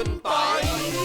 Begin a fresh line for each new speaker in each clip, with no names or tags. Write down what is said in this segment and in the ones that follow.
คุณปอย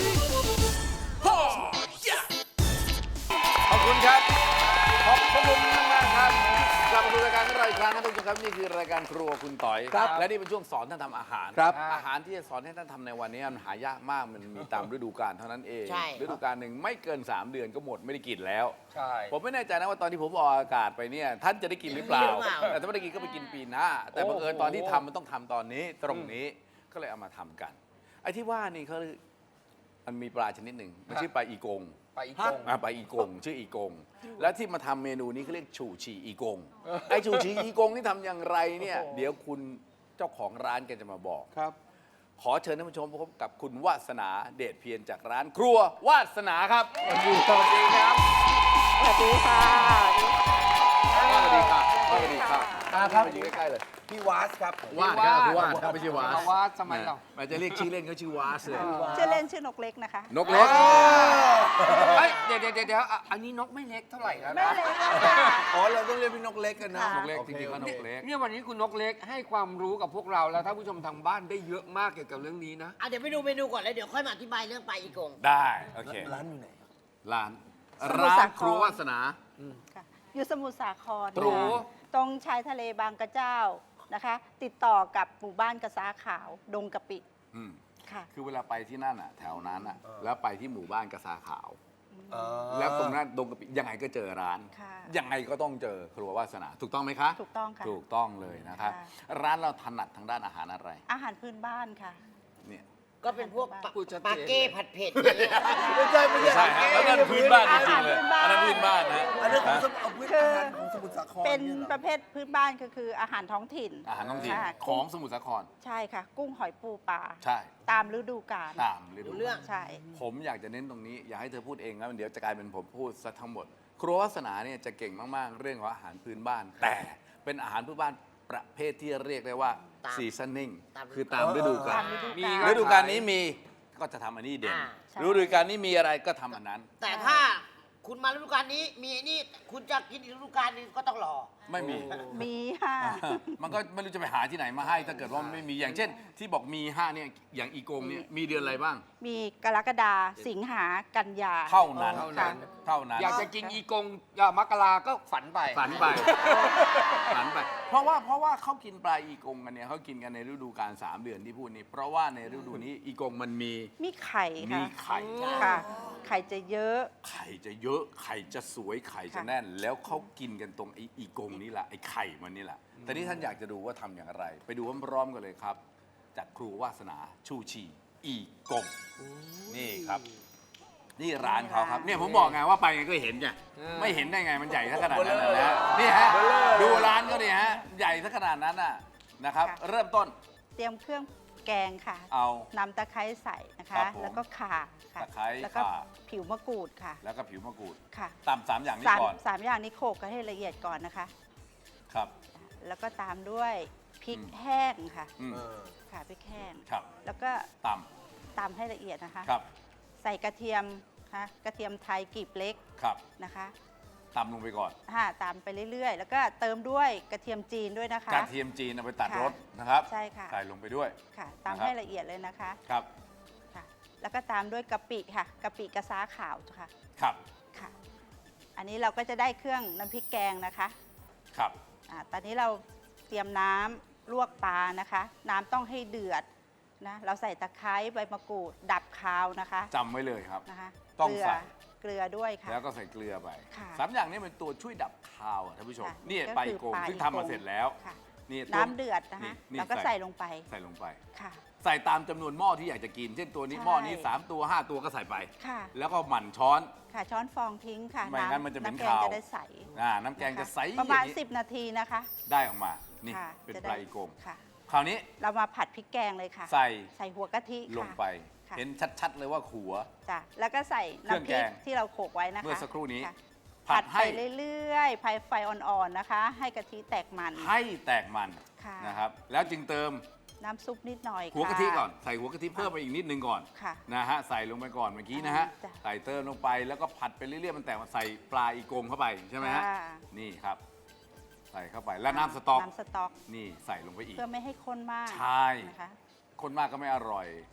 ขอบคุณครับขอบคุณมากๆครับกลับมาดูรายการของเราอีกครั้งนะทุกท่านครับนี่คือรายการครัวคุณต่อย
ครับ
และนี่เป็นช่วงสอนท่านทำอาหาร
ครับ
อาหารที่จะสอนให้ท่านทำในวันนี้มันหายากมากมันมีตามฤดูกาลเท่านั้นเอง
ใช่
ฤดูกาลหนึ่งไม่เกิน 3 เดือนก็หมดไม่ได้กินแล้ว
ใช่
ผมไม่แน่ใจนะว่าตอนที่ผมออกอากาศไปเนี่ยท่านจะได้กินหรือเปล่า แต่ถ้าไม่ได้กินก็ไปกินปีหน้า แต่บังเอิญตอนที่ทำมันต้องทำตอนนี้ตรงนี้ก็เลยเอามาทำกัน ไอ้ที่ว่านี่เขามันมีปลาชนิดหนึ่งมันชื่อปลาอีกง
ไปอีกกง
ปลาอีกงชื่ออีกง แล้วที่มาทำเมนูนี้เขาเรียกฉู่ฉี่อีกง ไอ้ฉู่ฉี่อีกงนี่ทำอย่างไรเนี่ย เดี๋ยวคุณเจ้าของร้านแกจะมาบอก
ครับ
ขอเชิญท่านผู้ชมพบกับคุณวาสนาเดชเพียรจากร้านครัววาสนาครับสวัสดีครับ
สวัสดีค่ะ
สวัสดีครับสวัสดีครับ
ครับ
มาอยู่ใกล้ๆเลย
พี่วาสครับ
วาดครับคือวาดครับไม่ใช่วาส
วาสทำไมเรา
มันจะเรียกชื่อเล่นเขาชื่อวาสเลย
ชื่อเล่นชื่อนกเล็กนะคะ
นกเล็ก
เฮ้ยเดี๋ยวอันนี้นกไม่เล็กเท่าไหร่แล้ว
ไม่
นะ
เล็กค่ะ
อ๋อเราต้องเรียกพี่นกเล็กกันนะ
ค่ะ
นกเล็กจริงๆก็นกเล็ก
เนี่ยวันนี้คุณนกเล็กให้ความรู้กับพวกเราแล้วท่านผู้ชมทางบ้านได้เยอะมากเกี่ยวกับเรื่องนี้นะ
เดี๋ยวไปดูเมนูก่อนแล้วเดี๋ยวค่อยมาอธิบายเรื่องปลาอีกง
ได้โอเค
ร้านอยู่ไหน
ร้าน
สมุทร
ร้า
สาน คร
ครัววาสนา
ค่ะอยู่สมุทรสาคร
ตรู
ค่ะตรงชายทะเลบางกระเจ้านะคะ ติดต่อกับหมู่บ้านกระซ้าขาว ดงกะปิ
อืม
ค่ะ
คือเวลาไปที่นั่นอ่ะแถวนั้นอ่ะแล้วไปที่หมู่บ้านกระซาขาว
อ๋อ
แล้วตรงนั้นดงกะปิยังไงก็เจอร้าน
ค่ะ
ยังไงก็ต้องเจอครัววาสนา ถูกต้องไหมคะ
ถูกต้องค่ะ
ถูกต้องเลยนะครับ
ค่ะ
ร้านเราถนัดทางด้านอาหารอะไร
อาหารพื้นบ้านค่ะ
เนี่ย
ก็เป็นพวก
พูดชัดเจน
ปาเก้ผัดเผ็ดอย่างเงี้ย
ไม่ใช่
ใช่ฮะแล้วนั่นพื้นบ้านจริงๆเลย
อาหารพื้นบ้าน
อันนั้นพื้นบ้านนะ
อันนี้ของเอาพื้น
คือ
อาหารของสมุทรสาคร
เป็น
ยหรอ
ประเภทพื้นบ้านก็คืออาหารท้องถิ่น
อาหารท้องถิ่น
ค่ะ
ของสมุทรสาคร
ใช่ค่ะ กุ้งหอยปูปลา
ใช่
ตามฤดูกาล
ตามฤดู
เรื่อง
ใช่
ผมอยากจะเน้นตรงนี้ อยากให้เธอพูดเองนะเดี๋ยวจะกลายเป็นผมพูดซะทั้งหมด ครัววาสนาเนี่ยจะเก่งมากๆ เรื่องของอาหารพื้นบ้าน แต่เป็นอาหารพื้นบ้านประเภทที่เรียกได้ว่า
ตาม
ซีซันนิ่ง
ตาม
คือตามฤดูกา
ตา
ล
มฤดู
มี
กาล
ค
ฤ
บ
ดูกาลนี้มีก็จะทำอันนี้เด่น
ใช่
ฤดูกาลนี้มีอะไรก็ทำอันนั้น
แต่ถ้าคุณมาฤดูกาลนี้มีไอ้นี่คุณจะกินอีกฤดูกาลนึงก็ต้องรอ
ไม่มี
มีค่ะ
มันก็ไม่รู้จะไปหาที่ไหนมาให้ ถ้าเกิดว่าไม่มีอย่างเช่น ที่บอกมี5เนี่ยอย่างอีกงเนี่ยมีเดือนอะไรบ้าง
มีกรกฎาสิงหากันยา
เท่านั้น
เท่านั้น
เท่านั้น
อยากจะกินอีกงมกราก็ฝันไป
ฝันไป ฝันไป เพราะว่าเขากินปลาอีกงกันเนี่ยเขากินกันในฤดูกาล3 เดือนที่พูดนี้ เพราะว่าในฤดูนี้อีกงมันมี
มีไข่
มี
ค่ะ
ไข่
ค่ะ ไข่จะเยอะ
ไข่จะเยอะไข่จะสวยไข่จะแน่น แล้วเขากินกันตรงไอ้อีกงนี่แหละไอ้ไข่มันนี่แหละแต่นี่ท่านอยากจะดูว่าทำอย่างไร ไปดูพร้อมๆกันเลยครับ จากครูวาสนาชูชีอีกงนี่ครับ นี่ร้านเขาครับเนี่ยผมบอกไงว่าไปไงก็เห็นไงไม่เห็นได้ไงมันใหญ่สักขนาดนั้นนะนี่ฮะดูร้านก็เนี่ยฮะใหญ่สักขนาดนั้นน่ะนะครับ
ค่ะ
เริ่มต้น
เตรียมเครื่องแกงค่ะ
เอา
นำตะไคร้ใส่นะ
ครั
คะ
บผม
แล้วก็ข่าค่ะ
ตะไคร้
แล้วก็
ข่า
ผิวมะกรูดค่ะ
แล้วก็ผิวมะกรูด
ค่ะ
ตาม3อย่างนี้
สาม
ก่อน
สามอย่างนี้โขลกกันให้ละเอียดก่อนนะคะ
ครับ
แล้วก็ตามด้วยพริก
อืม
แห้งค่ะ
อืม
ค่ะพริกแห้ง
ครับ
แล้วก็
ต
ตำให้ละเอียดนะคะ
ำครับ
ใส่กระเทียมค่ะกระเทียมไทยกลีบเล็ก
ครับ
นะคะ
ตำลงไปก่อน
ตามไปเรื่อยๆ แล้วก็เติมด้วยกระเทียมจีนด้วยนะคะ
กระเทียมจีนเอาไปตัด
ค่ะ
รสนะครับ
ใช่ค่ะ
ใส่ลงไปด้วย
ค่ะ
นะครับ
ตำให้ละเอียดเลยนะคะ
ครับ
ค่ะ แล้วก็ตามด้วยกะปิค่ะกะปิกระซ้าขาวค่ะ
ครับ
ค่ะ อันนี้เราก็จะได้เครื่องน้ำพริกแกงนะคะ
ครับ
ตอนนี้เราเตรียมน้ำลวกปลานะคะ น้ำต้องให้เดือดนะเราใส่ตะไคร้ใบมะกรูด ดับคาวนะคะ
จำไว้เลยครับ
นะคะ
ต้องใส่
เกลือด้วยค่ะ
แล้วก็ใส่เกลือไป
ค่ะ
3 อย่างนี้เป็นตัวช่วยดับคาวอะท่านผู้ชม
ค่ะ
นี่
ก็
ปลา
คื
อี
อ
โกง
ปลา
ซึ่ง
อี
ทำมา
โกง
เสร็จแล้ว
ค่ะ
นี่
น้ำเดือดนะคะ
นี่
เราก็ใส่ลงไป
ใส่ลงไป
ค่ะ
ใส่ตามจำนวนหม้อที่อยากจะกิน เช่นตัวนี้
ใช่
หม้อนี้3 ตัว 5 ตัวก็ใส่ไป
ค่ะ
แล้วก็หมั่นช้อน
ค่ะช้อนฟองทิ้งค่ะ
ไม่งั้นมันจะเป็น
ำแกง
คาว
จะได้ใส
น้ำแกงจะใส
ประมาณ
อย่งนี้
10 นาทีนะคะ
ได้ออกมา นี่
ค่ะ
เป็น
จะ
ป
ได้
ลาอีโกง
ค่ะ
คราวนี้
เรามาผัดพริกแกงเลยค่ะ
ใส่
ใส่หัวกะทิค่ะ
ลงไป
ค่ะ
เห็นชัดๆเลยว่าขัว
จ้ะแล้วก็ใส่
เครื่อง
น้ำพ
แก
ริก
ง
ที่เราโขลกไว้นะคะ
เมื่อสักครู่นี้
ค่ะ
ผั
ผั
ด
ด
ให้
ไปเรื่อยๆไฟอ่อนๆนะคะ ให้กะทิแตกมัน
ให้แตกมัน
ค่ะ
นะครับ แล้วจึงเติม
น้ำซุปนิดหน่อย
หัวกะทิ
ค่
ก่อน ใส่หัวกะทิเพิ่มไปอีกนิดนึงก่อน
ค่ะ
นะฮะ ใส่ลงไปก่อนเมื่อกี้นะฮะ
จ้ะ
ใส่เติมลงไปแล้วก็ผัดไปเรื่อยๆ มันแตกมาใส่ปลาอีกงเข้าไปใช่ไหมฮะ
ค่ะ
นี่ครับ ใส่เข้าไป แล้วน้ำสต๊อก
น้ำสต๊อก
นี่ใส่ลงไปอีก
เพื่อไม่ให้ข้นมาก
ใช่
นะคะ
คนมากก็ไม่อร่อย
ค่ะ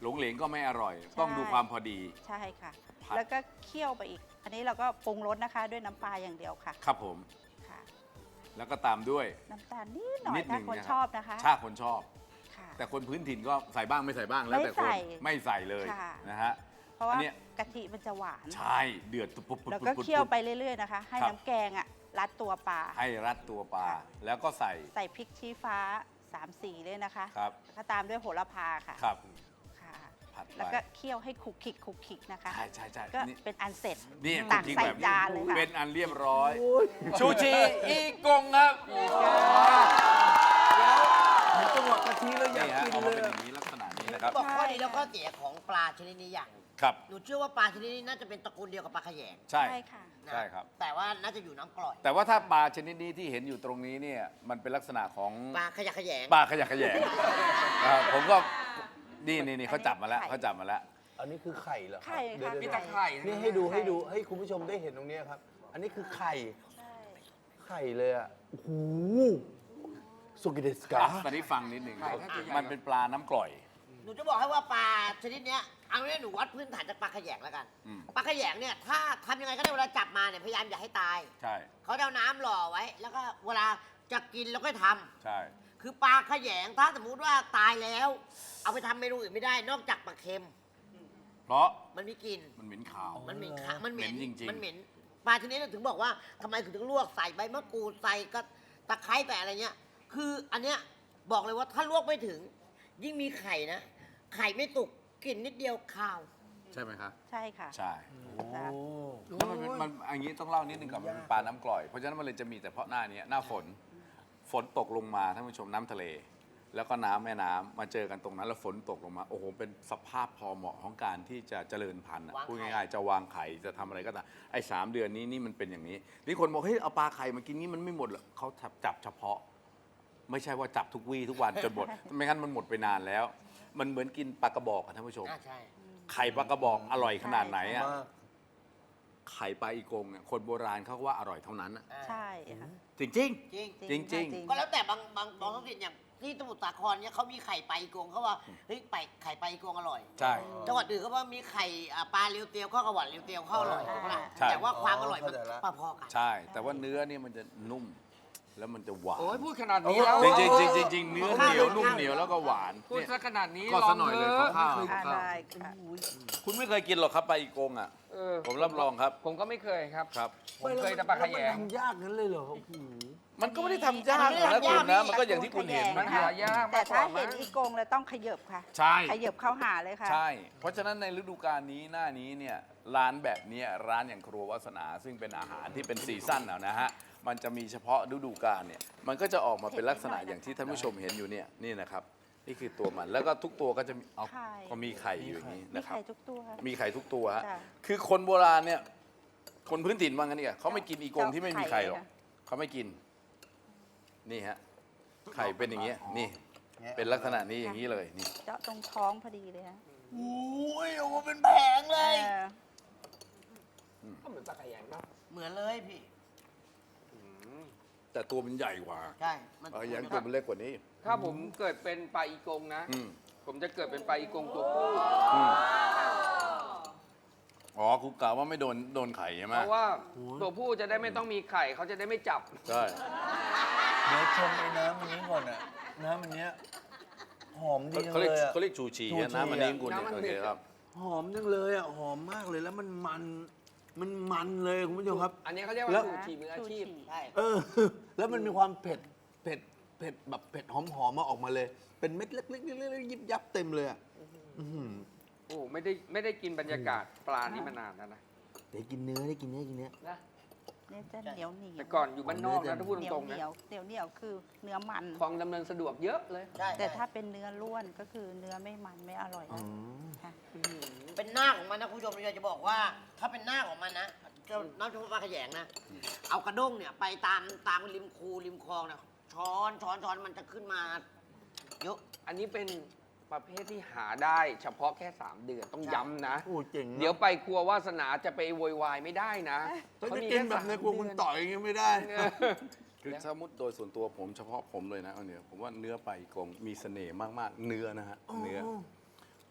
หลงเหลงก็ไม่อร่อย
ใช่
ต้องดูความพอดี
ใช่ค่ะ
ผัด
แล้วก็เคี่ยวไปอีก อันนี้เราก็ปรุงรสนะคะ ด้วยน้ำปลาอย่างเดียวค่ะ
ครับผม
ค่ะ
แล้วก็ตามด้วย
น้ำตาลนิดหน่อ
นิ
ย
ดหนึ่
ถ้าง คน
นะครับ
ชอบนะคะ
ถ้าคนชอบ
ค่ะ
แต่คนพื้นถิ่นก็ใส่บ้างไม่ใส่บ้างแล้วแต่คน
ไม่ใส่
ไม่ใส่เลย
ค่ะ
นะฮะ
เพราะว่า
อันเนี้ย
กะทิมันจะหวาน
ใช่เดือดปุ๊บปุ๊บ
แล้ว
ปุ๊บ
ก็
ปุ๊บ
เคี่ยวไปเรื่อยๆนะคะ ให้
ครับ
น้ำแกงอ่ะรัดตัวปลา
ให้รัดตัวปลา
ค่ะ
แล้วก็ใส่
ใส่พริกชี้ฟ้า3 สีเลยนะคะ
ครับ
แล้วก็ตามด้วยโหระพาค่ะ
ครับ
ค่ะ
ผัดไป
แล้วก็เคี่ยวให้คลุกคลิกนะคะ
ใช่ใช่ใช่
ก็
นี่
เป็นอันเสร็จ
นี่
ตัก
จริงๆ
ใส่
แบบนี้
จานเลยค่ะ
เป็นอันเรียบร้อย ชูชีอีกงครับ
เห็นจังหวะกะทิแล้วอยาก
นี่ฮะ
กิน
เอา
เล
มาย เป็นอ
อะ
ย่างนี้ลักษณะนี้นะครับ
บอกข้อดีแล้วข้อเสียของปลาชนิดนี้อย่างหนึ่ง
ครับ
หนูเชื่อว่าปลาชนิดนี้น่าจะเป็นตระกูลเดียวกับปลาขยง
ใช่
ใช่ค่ะ
นะ
ใช่ครับ
แต่ว่าน่าจะอยู่น้ำกร่อย
แต่ว่าถ้าปลาชนิดนี้ที่เห็นอยู่ตรงนี้เนี่ยมันเป็นลักษณะของ
ปลาขยะแขยง
ปลาขยะแขยงผมก็นี่เขาจับมาแล้ว
ไข่
เขาจับมาแล้ว
อันนี้คือไข่เหรอครับ
ไข่ค่ะ
เดี๋ยว
มี
ๆ
ตะไคร่นะ
นี่ให้ดูให้คุณผู้ชมได้เห็นตรงเนี้ยครับ อันนี้คือไข่
ใช่
ไข่เลยอ่ะโอ้โหสุกิเดสกา
ตอนนี้ฟังนิดหนึ่ง
ไข่น่าจะใหญ่
มันเป็นปลาน้ำกร่อย
หนูจะบอกให้ว่าปลาชนิดเนี้ยเอาเนี่ยหนูวัดพื้นฐานจากปลาขยงแล้วกัน
อืม
ปลาขยงเนี่ยถ้าทำยังไงก็ได้เวลาจับมาเนี่ยพยายามอย่าให้ตาย
ใช่
เขาจะเอาน้ำหล่อไว้ แล้วก็เวลาจะกินแล้วก็ทำ
ใช่
คือปลาขยงถ้าสมมุติว่าตายแล้ว เอาไปทำเมนูอื่นไม่ได้ นอกจากปลาเค็ม
เพราะ
มันมีกลิ่น
มันเหม็นขาว
มันเหม็นค่ะมันเหม็น
เหม็นจริงๆ
มันเหม็นปลาชนิดนี้ถึงบอกว่าทำไมถึงลวกใส่ใบมะกรูดใส่ก็ตะไคร้แต่อะไรเงี้ย คืออันเนี้ยบอกเลยว่าถ้าลวกไม่ถึง ยิ่งมีไข่นะ ไข่ไม่ตุกกลิ่นนิดเดียวคาว
ใช่ไหมครับ
ใช่ค่ะ
ใช่
ค่ะ
แล้วมันอันนี้ต้องเล่านิดนึงก่อนมันเป็นปลาน้ำกร่อย เพราะฉะนั้นมันเลยจะมีแต่เพราะหน้านี้หน้าฝน ฝนตกลงมาท่านผู้ชมน้ำทะเล แล้วก็น้ำแม่น้ำมาเจอกันตรงนั้นแล้วฝนตกลงมา โอ้โห เป็นสภาพพอเหมาะของการที่จะเจริญพันธุ์อะ
วางไข่
พูดง่ายๆ จะวางไข่จะทำอะไรก็ตามไอ้3 เดือนนี้นี่มันเป็นอย่างนี้นี่คนบอกเฮ้ยเอาปลาไข่มากินนี่มันไม่หมดหรอกเขาจับเฉพาะ ไม่ใช่ว่าจับทุกวี่ทุกวันจนหมด ไม่งั้นมันหมดไปนานแล้ว มันเหมือนกินปลากระบอกอะท่านผู้ชม
ใช่
ไข่ปลากระบอกอร่อยขนาดไหนอะ
มาก
ไข่ปลาอีกงเนี่ยคนโบราณเขาก็ว่าอร่อยเท่านั้นอะ
ใช่ค่ะ
จริง
จริง
จริง
ก็แล้วแต่บางท้องถิ่นอย่างที่สมุทรสาครเนี่ยเขามีไข่ปลาอีกงเขาว่าเฮ้ยไข่ปลาอีกงอร่อย
ๆ ใช่
จังหวัดอื่นเขาว่ามีไข่ปลาเรียวเตียวข้าวกระหวัดเรียวเตียวข้าวอร่อย
ใช่
ถูกปะล่ะ
ใช่
แต่ว่าความอร่อยมัน
เข้าใจละ
พอๆกัน
ใช่ แต่ว่าเนื้อเนี่ยมันจะนุ่ม แล้วมันจะหวาน
โอ้ยพูดขนาดนี้แล้ว
จริงๆจริงๆเนื้อเหนียวนุ่มเหนียวแล้วก็หวาน
พูด
เนี่ย
ซะขนาดนี้
ก็
ลอ
ซะ
ง
หน่อย
เถ
เลย
อะ
ข้าว
อ่าได้ค่ะ
คุณไม่เคยกินหรอกครับปลาอีกงอ่ะ
เออ
ผมรับรองครับ
ผมก็ไม่เคยครับ
ครับ
ผมเคยแต่ปลาขยง
ทำยากนั้นเลยเหรอโอ้โห
มันก็ไม่ได้ทำยากหรอกนะคุณนะ มันก็อย่างที่คุณเห็น
มันหายาก
แต่
มากก
ถ้า
ว่า
เห็นอีกงแล้วต้องขยับค่ะ
ใช่
ขยับเข้าหาเลยค่ะ
ใช่ เพราะฉะนั้นในฤดูกาลนี้หน้านี้เนี่ยร้านแบบเนี้ยร้านอย่างครัววาสนา ซึ่งเป็นอาหารที่เป็นซีซั่นนะฮะ มันจะมีเฉพาะฤดูกาลเนี่ย มันก็จะออกมาเป็นลักษณะอย่างที่ท่านผู้ชมเห็นอยู่เนี่ยนี่นะครับ นี่คือตัวมัน แล้วก็ทุกตัวก็จะมีเอา
ไข่
ก็มีไข่อยู่อย่างนี้
มี
นะครับ
ไข่ทุกตัว
มีไข่ทุกตัวฮะ
จ้ะ
คือคนโบราณเนี่ย คนพื้นถิ่นว่างั้นเนี่ยเขาไม่กินอีกงที่ไม่มีไข่หรอก
ไข่เลย
เขาไม่กิน นี่ฮะ ไข่เป็นอย่างเงี้ย นี่ เป็นลักษณะนี้อย่างนี้เลย นี่
เจาะตรงท้องพอดีเลยฮะ
โอ้ยโอ้โหเป็นแผงเลย
เออ
ก็เหมือนปลาขยงเนาะ
เหมือนเลยพี่
แต่ตัวมันใหญ่กว่า
ใช่ มัน
อย่างตัวมันเล็กกว่านี้
ถ้าผมเกิดเป็นปลาอีกงนะ
อืม
ผมจะเกิดเป็นปลาอีกงตัวผู้
อืมอ๋อคุณกล่าวว่าไม่โดนไข่ใช่ไหม
เพราะว่าตัวผู้จะได้ไม่ต้องมีไข่เขาจะได้ไม่จับ
ใช่
เดี๋ยวชมไอ้น้ำมันนี้ก่อนอ่ะ น้ำมันเนี้ยหอมดีจัง
เขา
เล
เรียก
ยอ่ะ
เขาเรียกชูชี
ชูชี
นะน้ำมันนี้คุณ
น้ำมัน
โอ
นี้
เคครับ
หอมจังเลยอ่ะ หอมมากเลยแล้วมันมันเลยคุณผู้ชมครับ
อันนี้เขาเรียก
แล้
ว่าว ชูชีมืออาชีพ
ใช่
เออ แล้วมันมีความเผ็ดแบบเผ็ดหอมมาออกมาเลย เป็นเม็ดเล็กๆยิบยับเต็มเลยอ่ะอื้อหือ
โอ้ไม่ได้กินบรรยากาศปลานี่มานานแล้วนะ
ได้กินเนื้อได้กินเนื้อ
นะ
เนี่ยจะเหนียวเหนียว
แต่ก่อนอยู่บ้านนอกนะถ้าพูด
เหนี
ต
ยว
รงๆ
เห
นะ
นียวเหนียวเหนียวคือเนื้อมัน
คลองดำเนินสะดวกเยอะเลย
ใช่
แต่ถ้าเป็นเนื้อล้วนก็คือเนื้อไม่มันไม่อร่อย
อื
นะ
ม
ค่ะ
เป็นหน้าของมันนะคุณผู้ชมเราอยากจะบอกว่า ถ้าเป็นหน้าของมันนะน้ำชมปลาขยงนะ เอากระด้งเนี่ยไปตามริมคูริมคลองเนี่ยช้อนมันจะขึ้นมาเยอะ
อันนี้เป็นประเภทที่หาได้เฉพาะแค่ 3 เดือนต้องย้ำนะ
โอ้เจ๋งนะ
เดี๋ยวไปครัววาสนาจะไปโวยวายไม่ได้นะ
ถ้า
เขา
จะ
มี
กิน
ค่
แบบใน
3
ครัวคุณต่อยอย่างเงี้ยไม่ได้
เดือน
คือสมมติโดยส่วนตัวผมเฉพาะผมเลยนะเอาเนี่ยผมว่าเนื้อปลาอีกงมีเสน่ห์มากๆ เนื้อนะฮะ เนื้อ ผ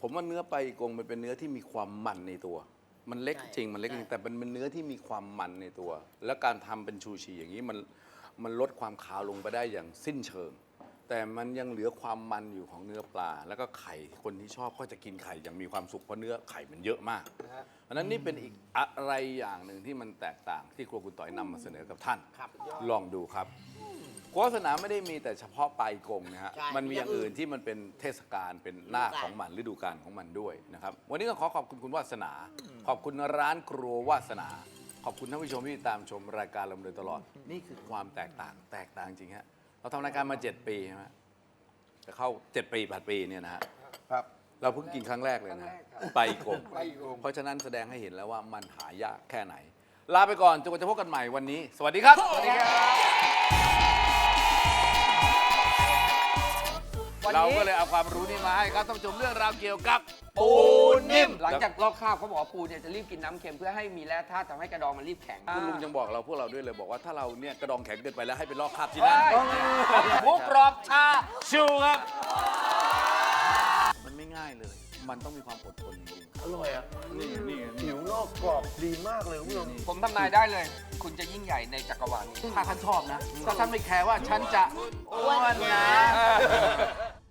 ผมว่าเนื้อปลาอีกงมันเป็นเนื้อที่มีความมันในตัว มันเล็กจริงมันเล็กจริงแต่มันเป็นเนื้อที่มีความมันในตัว แล้วการทำเป็นชูชีอย่างนี้มันลดความคาวลงไปได้อย่างสิ้นเชิง แต่มันยังเหลือความมันอยู่ของเนื้อปลา แล้วก็ไข่คนที่ชอบก็จะกินไข่อย่างมีความสุขเพราะเนื้อไข่มันเยอะมากเพราะฉะนั้นนี่เป็นอีกอะไรอย่างหนึ่งที่มันแตกต่างที่ครัวคุณต่อยนำมาเสนอกับท่าน
ครับ
ลองดูครับโฆษณาไม่ได้มีแต่เฉพาะปลาอีกงนะฮะ
ใช่
มันมีอย่างอื่นที่มันเป็นเทศกาลเป็นหน้าของมันฤดูกาลของมันด้วยนะครับวันนี้ก็ขอขอบคุณคุณวาสนา ขอบคุณร้านครัววาสนา ขอบคุณท่านผู้ชมที่ติดตามชมรายการเรามาโดยตลอด นี่คือความแตกต่างจริงฮะเราทำรายการมา 7 ปีใช่ไหมจะเข้า 7 ปี 8 ปีเนี่ยนะฮะ
ครับ
เราเพิ่งกินครั้งแรกเลยนะปลาอีกง
ปลาอีกง
เพราะฉะนั้นแสดงให้เห็นแล้วว่ามันหายากแค่ไหน ลาไปก่อนจนกว่าจะพบกันใหม่วันนี้ สวัสดีครับ สวัสดีครับ เราก็เลยเอาความรู้นี้มาให้ครับท่านผู้ชมเรื่องราวเกี่ยวกับปูนิ่ม
หลังจากลอกคราบเขาบอกว่าปูเนี่ยจะรีบกินน้ำเค็มเพื่อให้มีแร่ธาตุทำให้กระดองมันรีบแข็ง
คุณลุงยังบอกเราพวกเราด้วยเลยบอกว่าถ้าเราเนี่ยกระดองแข็งเกินไปแล้วให้ไปลอกคราบที่นั่น
หมูกรอบชา
ชูครับ มันไม่ง่ายเลย มันต้องมีความอดทนจริง
อร่อยอ่ะ
ๆนี่นี่
ผิวนอกกรอบดีมากเลยคุณผู้ชม
ผมทำนายได้เลย คุณจะยิ่งใหญ่ในจักรวาลนี้
ถ้าท่านชอบนะ ถ้าท่านไม่แคร์ว่าฉันจะอ้วนนะ